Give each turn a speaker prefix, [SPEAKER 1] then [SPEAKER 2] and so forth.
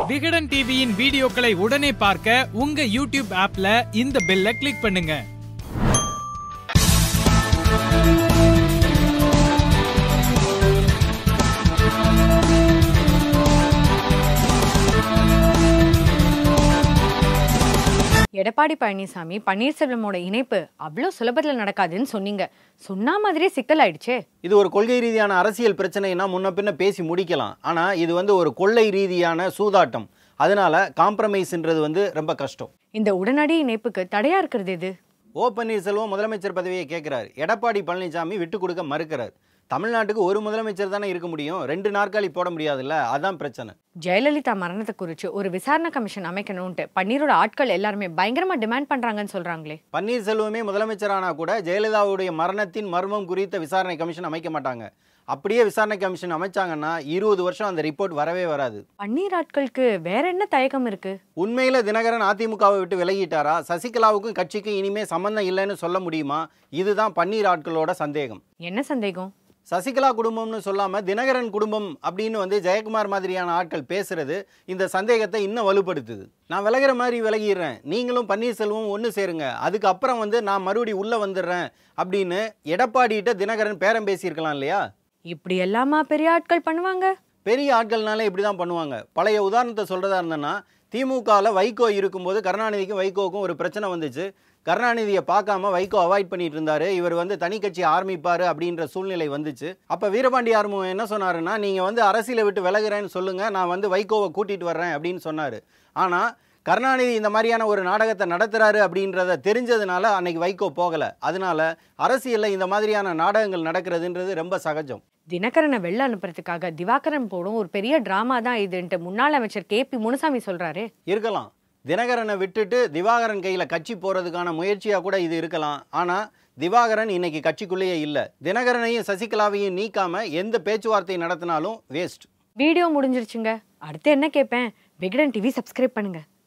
[SPEAKER 1] விகடன் டிவியின் வீடியோக்களை உடனே பார்க்க உங்க யூடியூப் ஆப்ல இந்த பெல்லை கிளிக் பண்ணுங்க.
[SPEAKER 2] எடப்பாடி பழனிசாமி பன்னீர்செல்வமோட இணைப்பு அவ்வளோ சுலபத்தில் நடக்காதுன்னு சொன்னீங்க. சொன்ன மாதிரியே சிக்கல் ஆயிடுச்சே.
[SPEAKER 3] இது ஒரு கொள்கை ரீதியான அரசியல் பிரச்சனைனா முன்ன பின்ன பேசி முடிக்கலாம். ஆனால் இது ஒரு கொள்ளை ரீதியான சூதாட்டம். அதனால காம்ப்ரமைஸ்ன்றது ரொம்ப கஷ்டம்.
[SPEAKER 2] இந்த உடனடி இணைப்புக்கு தடையா இருக்கிறது எது?
[SPEAKER 3] ஓ பன்னீர்செல்வம் முதலமைச்சர் பதவியை கேட்கிறார். எடப்பாடி பழனிசாமி விட்டு கொடுக்க மறுக்கிறார். தமிழ்நாட்டுக்கு ஒரு முதலமைச்சர் தானே இருக்க முடியும், 2 நாற்காலி போட முடியாதுல்ல, அதான் பிரச்சனை.
[SPEAKER 2] ஜெயலலிதா மரணத்தை குறித்து ஒரு விசாரணை கமிஷன் அமைக்கணும்ட்டு பன்னீரோட ஆட்கள் எல்லாருமே பயங்கரமா டிமாண்ட் பண்றாங்கன்னு சொல்றாங்களே.
[SPEAKER 3] பன்னீர்செல்வமே முதலமைச்சரானா கூட ஜெயலலிதாவுடைய மரணத்தின் மர்மம் குறித்த விசாரணை கமிஷன் அமைக்க மாட்டாங்க. அப்படியே விசாரணை கமிஷன் அமைச்சாங்கன்னா 20 வருஷம் அந்த ரிப்போர்ட் வரவே வராது.
[SPEAKER 2] பன்னீர் ஆட்களுக்கு வேற என்ன தயக்கம் இருக்கு?
[SPEAKER 3] உண்மையில தினகரன் அதிமுகவை விட்டு விலகிட்டாரா? சசிகலாவுக்கும் கட்சிக்கும் இனிமே சம்பந்தம் இல்லைன்னு சொல்ல முடியுமா? இதுதான் பன்னீர் ஆட்களோட சந்தேகம்.
[SPEAKER 2] என்ன சந்தேகம்?
[SPEAKER 3] சசிகலா குடும்பம்னு சொல்லாம தினகரன் குடும்பம் அப்படின்னு ஜெயக்குமார் மாதிரியான ஆட்கள் பேசுறது இந்த சந்தேகத்தை இன்னும் வலுப்படுத்துது. நான் விலகிற மாதிரி விலகிடுறேன், நீங்களும் பன்னீர்செல்வம் ஒன்று சேருங்க, அதுக்கப்புறம் நான் மறுபடி உள்ள வந்துடுறேன் அப்படின்னு எடப்பாடிகிட்ட தினகரன் பேரம் பேசியிருக்கலாம் இல்லையா?
[SPEAKER 2] இப்படி எல்லாமா பெரிய ஆட்கள் பண்ணுவாங்க?
[SPEAKER 3] பெரிய ஆட்கள்னால இப்படி தான் பண்ணுவாங்க. பழைய உதாரணத்தை சொல்றதா இருந்தேன்னா, திமுகவில் வைகோ இருக்கும்போது கருணாநிதிக்கும் வைகோவுக்கும் ஒரு பிரச்சனை வந்துச்சு. கருணாநிதியை பார்க்காம வைகோ அவாய்ட் பண்ணிட்டு இருந்தாரு. இவர் தனி கட்சி ஆரம்பிப்பாரு அப்படின்ற சூழ்நிலை வந்துச்சு. அப்ப வீரபாண்டி ஆறுமுகம் என்ன சொன்னாருன்னா, நீங்க அரசியலை விட்டு விலகுறேன்னு சொல்லுங்க, நான் வைகோவை கூட்டிட்டு வர்றேன் அப்படின்னு சொன்னாரு. ஆனா கருணாநிதி இந்த மாதிரியான ஒரு நாடகத்தை நடத்துறாரு அப்படின்றத தெரிஞ்சதுனால அன்னைக்கு வைகோ போகல. அதனால அரசியல்ல இந்த மாதிரியான நாடகங்கள் நடக்கிறதுன்றது ரொம்ப சகஜம்.
[SPEAKER 2] தினகரனை வெளில அனுப்புறதுக்காக திவாகரன் போடும் ஒரு பெரிய டிராமா தான் இதுன்ட்டு முன்னாள் அமைச்சர் KP முனுசாமி சொல்றாரு.
[SPEAKER 3] இருக்கலாம், தினகரனை விட்டுட்டு திவாகரன் கையில கட்சி போறதுக்கான முயற்சியா கூட இது இருக்கலாம். ஆனா திவாகரன் இன்னைக்கு கட்சிக்குள்ளேயே இல்ல. தினகரனையும் சசிகலாவையும் நீக்காம எந்த பேச்சுவார்த்தை நடத்தினாலும் வேஸ்ட்.
[SPEAKER 2] வீடியோ முடிஞ்சிருச்சுங்க. அடுத்து என்ன கேட்பேன்? விகடன் டிவி சப்ஸ்கிரைப் பண்ணுங்க.